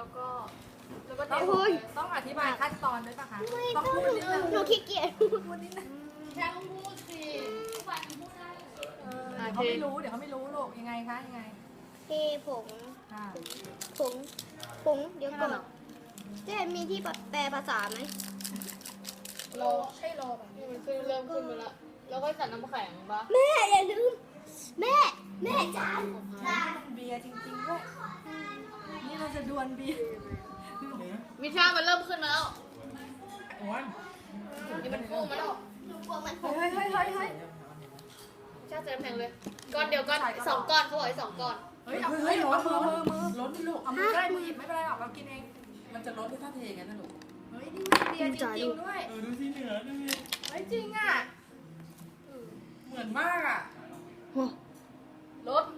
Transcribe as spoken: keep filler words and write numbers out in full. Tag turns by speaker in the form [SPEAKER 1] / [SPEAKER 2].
[SPEAKER 1] แล้วก็แล้วก็เท
[SPEAKER 2] โอ้ย
[SPEAKER 3] ต้องอธิบายขั้นตอนด้วยป่ะคะ
[SPEAKER 2] ไม่
[SPEAKER 3] ต้อง
[SPEAKER 2] ต้อง
[SPEAKER 3] พูดนิดนึง
[SPEAKER 2] หนูขี้เกียจ
[SPEAKER 3] พูดนิดนึง
[SPEAKER 1] แค่ต้องพูดสิ
[SPEAKER 3] เออเดี๋ยวเขาไม่รู้เดี๋ยวเขาไม่รู้ลูกยังไงคะยังไง
[SPEAKER 2] เทผง
[SPEAKER 3] ค่ะ
[SPEAKER 2] ผงผงเดี๋ยวก่อนเจ๊มีที่แปลภาษาไหม
[SPEAKER 1] รอให้รอแบบนี้มันขึ้นเริ่มขึ้นมาแล้วแล้วก็ใส่น้ำแข็งปะ
[SPEAKER 2] แม่อย่าลืมแม่แม่จานจาน
[SPEAKER 3] เบียร์จริงๆด้วยนี่เราจะดวลเบียร์
[SPEAKER 1] มิชามันเริ่มขึ้นมาแล้ว
[SPEAKER 4] อ้วน
[SPEAKER 1] นี่มันพุ่งมาแล้ว
[SPEAKER 2] หนูกลัวมันผ
[SPEAKER 3] เฮ้
[SPEAKER 2] ง
[SPEAKER 3] ยเฮ้ยเฮ้ยเฮ้ย
[SPEAKER 1] มิชาใส่น้ำแข็งเลยก้อนเดียวก้อนสองก้อนเขาบอกให้สองก้อน
[SPEAKER 3] เฮ้ยเอาเฮ้ยเอามือมือมือ
[SPEAKER 4] ล้นดิลูก
[SPEAKER 3] เอามือใกล้มือหยิบไม่เป็นไรหรอกเรากินเอง
[SPEAKER 4] มันจะล้นด้วยท่าเทกันนะลูก
[SPEAKER 3] เฮ้ยนี่มันเบียร์จริงๆด้วย
[SPEAKER 4] เออดูสิเหนือดูสิ
[SPEAKER 3] เฮ้ยจริงอ่ะ
[SPEAKER 4] เหมือนมากอ่ะ
[SPEAKER 1] รส